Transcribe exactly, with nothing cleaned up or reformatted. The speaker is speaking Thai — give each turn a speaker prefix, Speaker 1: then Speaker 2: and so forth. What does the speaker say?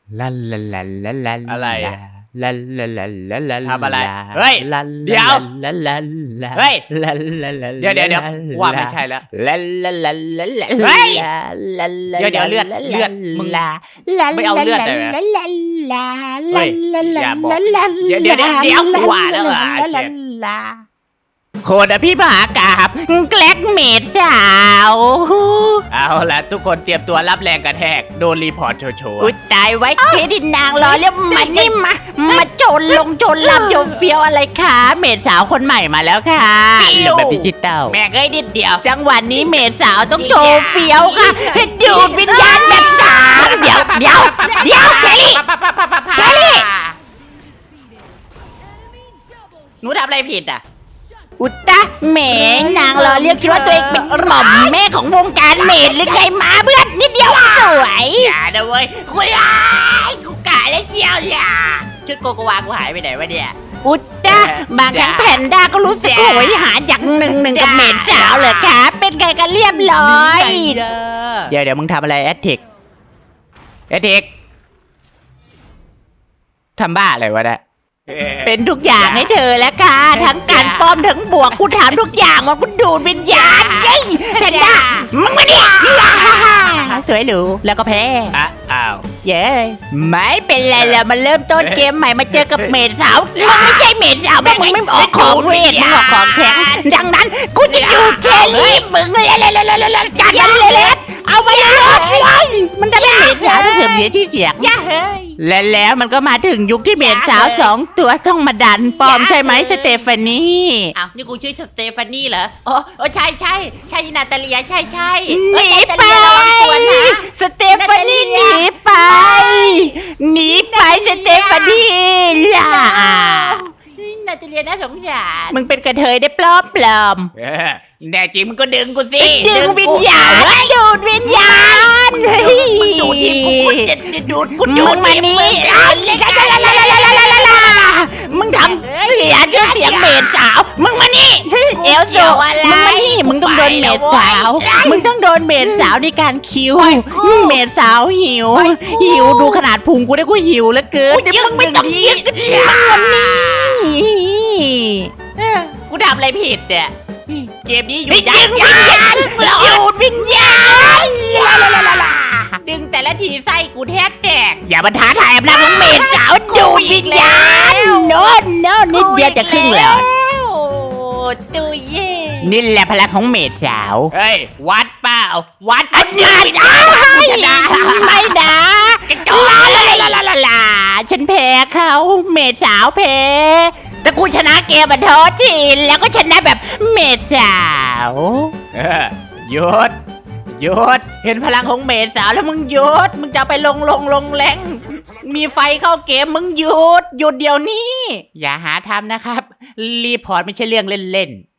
Speaker 1: ลาลาลาลาลา
Speaker 2: อะไร
Speaker 1: ลาลาลาลาลา
Speaker 2: ทำอะไรเฮ้ยเดี๋ยวเฮ้ยเดี๋ยวเดี๋ยวเดี๋ยวว่าไม่ใช่แล้วเฮ้ยเดี๋ยวเดี๋ยวเลือดเลือดมึงไม่เอาเลือดเลยเฮ้ยอย่าบอกเดี๋ยวเดี๋ยวเดี๋ยวเดี๋ยวกว่าแล้วอ่ะเชฟ
Speaker 1: โคดพี่มหากาบแกล็กเมดสาว
Speaker 2: เอาละทุกคนเตรียมตัวรับแรงกระแทกโดนรีพอร์ตโชว์
Speaker 1: อุ้ยตายไว้เครดิตนางรอแล้วมันนี่มามาโจรลงโจรลำโจรเฟี้ยวอะไรคะเมดสาวคนใหม่มาแล้วค่ะรูปแบบดิจิตอล
Speaker 2: แม่งเอ้ยนิดเดียว
Speaker 1: จังหวะนี้เมดสาวต้องโชว์เฟี้ยวค่ะให้ดูดวิญญาณแบบสาวเดี๋ยวเดี๋ยวเดี๋ยวเชลี่เชลี่หนูทำอะไรผิดอ่ะอุตตะแหมนางรอเรียกคิดว่าตัวเองเป็นหม่อมแม่ของวงการเมดหรือไงมาเพื่อนนิดเดียวสวย
Speaker 2: อย่านะเว้ยกูร้ายกูกะแล้วเชียวอย่าชุดโกโกวากูหายไปไหนวะเนี่ย
Speaker 1: อุตตะบางครั้งแพนด้าก็รู้สึกโหยหาอย่างหนึ่งหนึ่งกับเมดสาวเหรอคะเป็นไงกันเรียบร้อยเดี๋ยวเดี๋ยวมึงทำอะไรแอดเทคแอดเทคทำบ้าอะไรวะเนี่ยเป็นทุกอย่างให้เธอแล้วค่ะทั้งการป้อมทั้งบวกกูถามทุกอย่างว่ากูดูดวิญญาณเย้แพนด้ามึงมาเนี่ยสวยหรูแล้วก็แพ้
Speaker 2: อ้าว
Speaker 1: เย้ไม่เป็นไรแล้วมาเริ่มต้นเกมใหม่มาเจอกับเมดสาวมึงไม่ใช่เมดสาวเพราะมึงไม่ออกของเวทมึงออกของแข็งดังนั้นกูจะดูดเชลี่มึงเลยเลยๆๆๆจัดมันเลยเอาไปเลยมันจะเป็นเมดสาวที่เสื่อมเสียที่เสียงและแล้วมันก็มาถึงยุคที่เมดสาวสองตัวต้องมาดันปลอมใช่ไหมสเตฟานี
Speaker 2: อ้าวนี่กูชื่อสเตฟานีเหรอโอ้โอ้ใช่ใช่ใช่นาตาเลียใช่ใช่
Speaker 1: หนีไปสเตฟานีหนีไปหนีไปสเตฟานีล่ะ
Speaker 2: นาตาเลียน่าสงสาร
Speaker 1: มึงเป็นกระเทยได้ปลอมปลอม
Speaker 2: แน่จริงมึงก็ดึงกูสิ
Speaker 1: ดึงวิญญาณดูดวิญญาณ
Speaker 2: มึงดูดทีกูจะดูดกูดูด
Speaker 1: มานี่มึงทำเสียชื่อเสียงเมดสาวมึงมานี่เอลโซมึงมานี่มึงต้องโดนเมดสาวมึงต้องโดนเมดสาวในการคิวเมดสาวหิวหิวดูขนาดพุงกูได้กูหิวแล้วเกิน
Speaker 2: มึงไม่ต้องยึด
Speaker 1: มันนี่
Speaker 2: กูทำอะไรผิดเนี่ยเกมนี้อยู่
Speaker 1: ดึงวิญญาณดูดวิญญาณ
Speaker 2: ดึงแต่ละทีไส้กูแทบแตก
Speaker 1: อย่ามาท้าทายอำนาจของเมดสาวดูดวิญญาณโน่นโน่นนิดเดียวจะครึ่งหลอด
Speaker 2: ตูเย่
Speaker 1: นี่แหละพลังของเมดสาว
Speaker 2: เฮ้ยวัดเปล่าวัด
Speaker 1: อันนี้ชนะไม่นะลาลาลาลาลาลาฉันแพ้เขาเมดสาวแพ้แต่กูชนะเกมมาโทษทีแล้วก็ชนะแบบเมดสาว
Speaker 2: หยุดหยุดเห็นพลังของเมดสาวแล้วมึงหยุดมึงจะไปลงลงลงแรงมีไฟเข้าเกมมึงหยุดหยุดเดี๋ยวนี้
Speaker 1: อย่าหาทำนะครับรีพอร์ตไม่ใช่เรื่องเล่นๆ